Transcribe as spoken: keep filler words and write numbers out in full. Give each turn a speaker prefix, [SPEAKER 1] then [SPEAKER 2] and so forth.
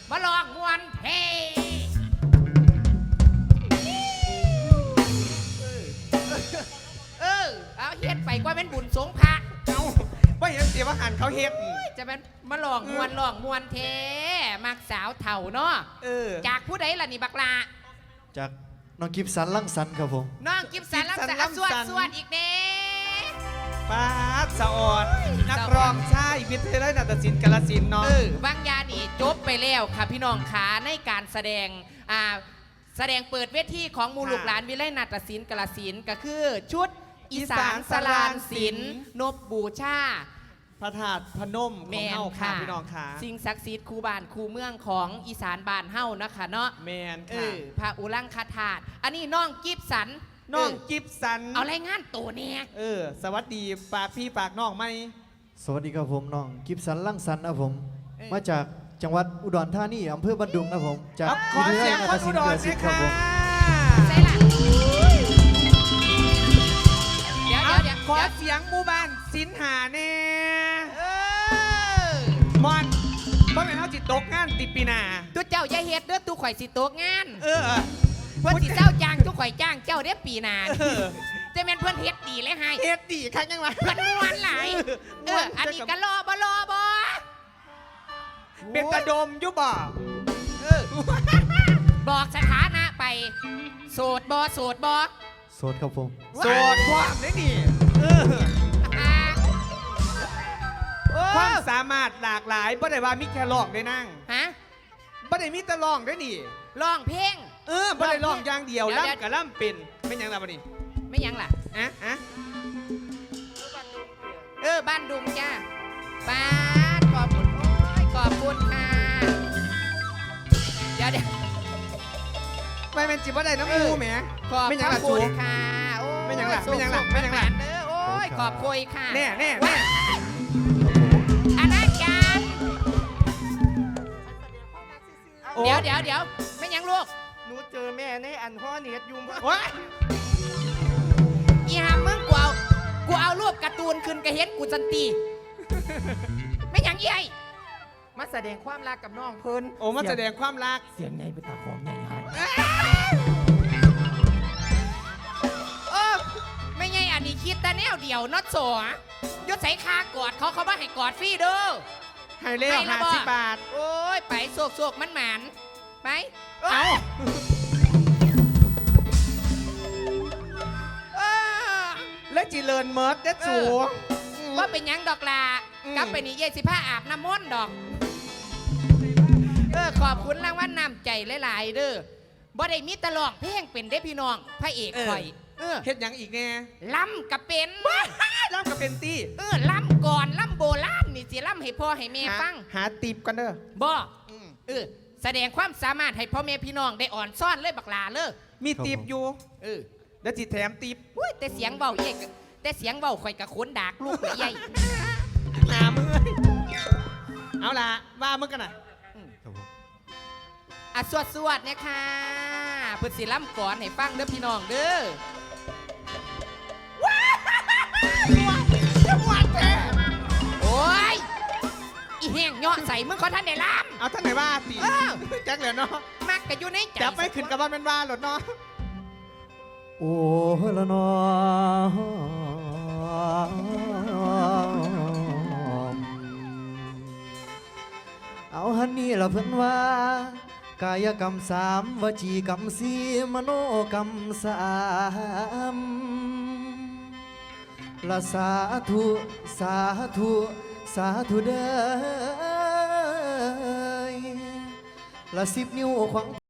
[SPEAKER 1] มาลองมวนเพเออเอาเฮ็ดไปกว่าเป็นบุญสงพระ
[SPEAKER 2] เอาว่าเห็นเสียว่าหันเขาเฮ็ด
[SPEAKER 1] จะเป็นมาลองมวนลองมวนเทมักสาวเถ่าเนาะ
[SPEAKER 2] เออ
[SPEAKER 1] จากผู้ใดล่ะนี่บักลา
[SPEAKER 3] จากน้องกิฟสันลังสันครับผม
[SPEAKER 1] น้องกิฟสันลังสันสวดสวดอีกเด้
[SPEAKER 2] ป้าสะออดนักร้องชายวิทยาลัยนาฏศิลป์กาฬสินธุ์เนาะ
[SPEAKER 1] เออบางยานี่จบไปแล้วค่ะพี่น้องขาในการแสดงอ่าแสดงเปิดเวทีของมูลูกหลานวิไลนาฏศิลป์กาฬสินธุ์ก็คือชุดอีสานสลานศิลป์นบบูชา
[SPEAKER 2] พระธาตุพนมของเฮาค่ะพี่น้องค่ะ
[SPEAKER 1] สิ่งศักดิ์สิทธิ์คูบ้านคูเมืองของอีสานบ้านเฮานะคะเนาะ
[SPEAKER 2] แมน
[SPEAKER 1] ค่ะพระอุรังคธาตุอันนี้น้องกิฟสัน
[SPEAKER 2] น้องกิฟสัน
[SPEAKER 1] เอารายงานตัวเนี่ย
[SPEAKER 2] เออสวัสดีฝากพี่ฝากน้องไหม
[SPEAKER 3] สวัสดีครับผมน้องกิฟสันลังสันนะผมมาจากจังหวัดอุดรธานีอำเภอบันดุงนะผมจาก
[SPEAKER 2] ขอเสียงคนอุดรสิครับผม
[SPEAKER 1] ใช่ละเดี๋ยวเดี๋ยว
[SPEAKER 2] ขอเสียงหมู่บ้านสินหาเน่มอนบ่เป็นเฮาจิตตกงานติปีนา
[SPEAKER 1] ตัวเจ้าอย่าเฮ็ดเด้อตู้ข่อยสิตกงาน
[SPEAKER 2] เออ
[SPEAKER 1] เพิ่นสิเจ้าจ้างตู้ข่อยจ้างเจ้าเด้อปีนาจะแม่นเพิ่นเฮ็ดดีเลยให้
[SPEAKER 2] เฮ็ดดีคักยังวะ
[SPEAKER 1] เพิ่นม่วนหลายเอออันนี้ก็รอบ่รอบ่
[SPEAKER 2] เป็นตะดมอยู่บ่
[SPEAKER 1] เออบอกสถานะไปโสดบ่โสดบ่
[SPEAKER 3] โสดครับผม
[SPEAKER 2] โสดความได้ดิเออความสามารถหลากหลายบ่ได้ว่ามีแค่ร้องได้นั่ง
[SPEAKER 1] ฮะ
[SPEAKER 2] บ่ได้มีแต่ร้องได้นี่
[SPEAKER 1] ร้องเพลง
[SPEAKER 2] เออบ่ได้ร้องอย่างเดียวล่ำกับล่ำเป็นไม่ยังล่ะบ่นี่
[SPEAKER 1] ไม่ยังล่ะ
[SPEAKER 2] อะอะ
[SPEAKER 1] เออบ้านดุงจ้าบ้านขอบคุณโอ้ยขอบคุณค่ะเดี๋ยวเดี๋ยว
[SPEAKER 2] ไม่เป็นจิบ่ได้น้ำมูแหม
[SPEAKER 1] ขอบคุณค่ะโอ้ย
[SPEAKER 2] ไม่ยังล่ะไม่ยังล่ะไม่ยังล่ะ
[SPEAKER 1] เออโอ้ยขอบคุยค่ะ
[SPEAKER 2] แน่แน่แน่
[SPEAKER 1] อาณาจารย์เดี๋ยวเดี๋ยวเดี๋ยวไม่ยังลูก
[SPEAKER 2] หนูเจอแม่ในอันห่อเนียดยุ่ม
[SPEAKER 1] วะอีหามมึงกูเอากูเอารูปการ์ตูนขึ้นกระเฮ็ดกูจันตีไม่ยังยี่ไอมาแสดงความรักกับน้องเพิ่น
[SPEAKER 2] โอ้มาแสดงความรัก
[SPEAKER 1] เสียงไงไปตาของใหญ่ฮะเออไม่ไงอันนี้คิดแต่แนวเดียวน็อตโซ่ยศใส่คากอดเขาเขาว่าให้กอดฟรีเด้อ
[SPEAKER 2] ให้เลี้ยวห้าสิบบาท
[SPEAKER 1] โอ้ยไปโศกโศกมันหมันไป
[SPEAKER 2] เอาแล้วจีเลินเมิร์ดเด็ดสู
[SPEAKER 1] ว่าเป็นยังดอกลากลับไปนี่เย่สิผ้าอาบน้ำมนต์ดอกเออขอบคุณรางวัลน้ำใจหลายๆเด้อบ่ได้มีตลอกเพลงเป็นได้พี่น้องพระเอกข่อย
[SPEAKER 2] เออเฮ็ดยังอีกแน่
[SPEAKER 1] ล่ำกับเป็น
[SPEAKER 2] ล่ำกับเป็นตี้
[SPEAKER 1] เออล่ำก่อนล่ำโบราณนี่สิล่ำให้พ่อให้แม่ฟัง
[SPEAKER 2] หาตีบกันเด้อ
[SPEAKER 1] บ่เออแสดงความสามารถให้พ่อแม่พี่น้องได้อ่อนซ่อนเลยบักลาเลย
[SPEAKER 2] มีตีบอยู่
[SPEAKER 1] เออ
[SPEAKER 2] เดี๋ยวจิแถมตีบ
[SPEAKER 1] อุ้ยแต่เสียงเบาเย่แต่เสียงเบาข่อยกับขนดากลูกใหญ่
[SPEAKER 2] หนามือเอาล่ะว่ามึงกันน่ะ
[SPEAKER 1] อ่ะสวดสวดเนี่ยค่ะเพื่อสิล่ำก่อนให้ฟังเด้อพี่น้องเด้อว้าวจังหวัดแท้โอ้ยอีแห้งย่อใส่มึงเขาท่านได้ล่ำ
[SPEAKER 2] เอาท่านไหนว่าตีแจ็คเหลือเนาะ
[SPEAKER 1] มักกะอยู่ในใจ
[SPEAKER 2] จับไปขึ้นกับว่าเป็นว่าหรอเนาะ
[SPEAKER 3] โอ้ละนอเอาฮันนี่ละเพิ่นว่ากายกรรมสามวจีกรรมสี่มโนกรรมสามละสาธุสาธุสาธุเด้อละสิบนิ้วขวาง